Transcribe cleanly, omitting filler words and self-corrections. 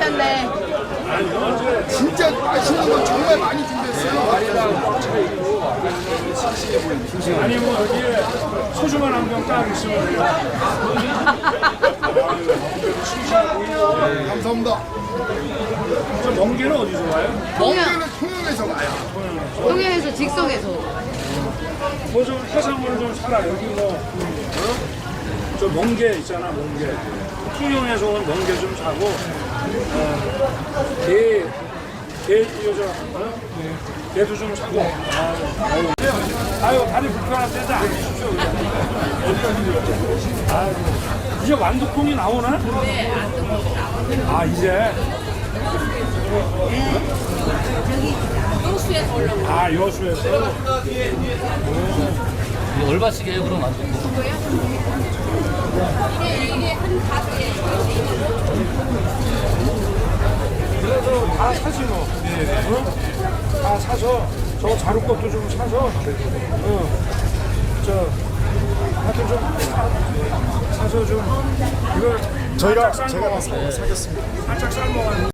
괜찮네. 진짜 맛있는 거 정말 많이 준비했어요. 아니 뭐 여기에 소주만 한 병 딱 있으면 돼요. 감사합니다. 저 멍게는 어디서 와요? 멍게는 통영에서 와요. 통영에서 직송에서. 뭐 좀 해산물 좀 사라. 여기 뭐 저 멍게 있잖아, 멍게. 통영에서 온 멍게 좀 사고 게도 좀 사고. 아유 다리 불편할 때도 안 주십시오. 아유, 이제 완두콩이 나오나? 네, 완두콩이 나오네. 아 이제. 여수에서 올라온 아 여수에서. 얼마씩이에요 그럼 안 돼? 이게 한 가지에 그래서 다 사지 뭐. 어? 다 사서 저 자루 것도 좀 사서. 저 하여튼 좀 사서 좀 이걸 저희가 살짝 제가 삶아. 사겠습니다. 살짝 삶아.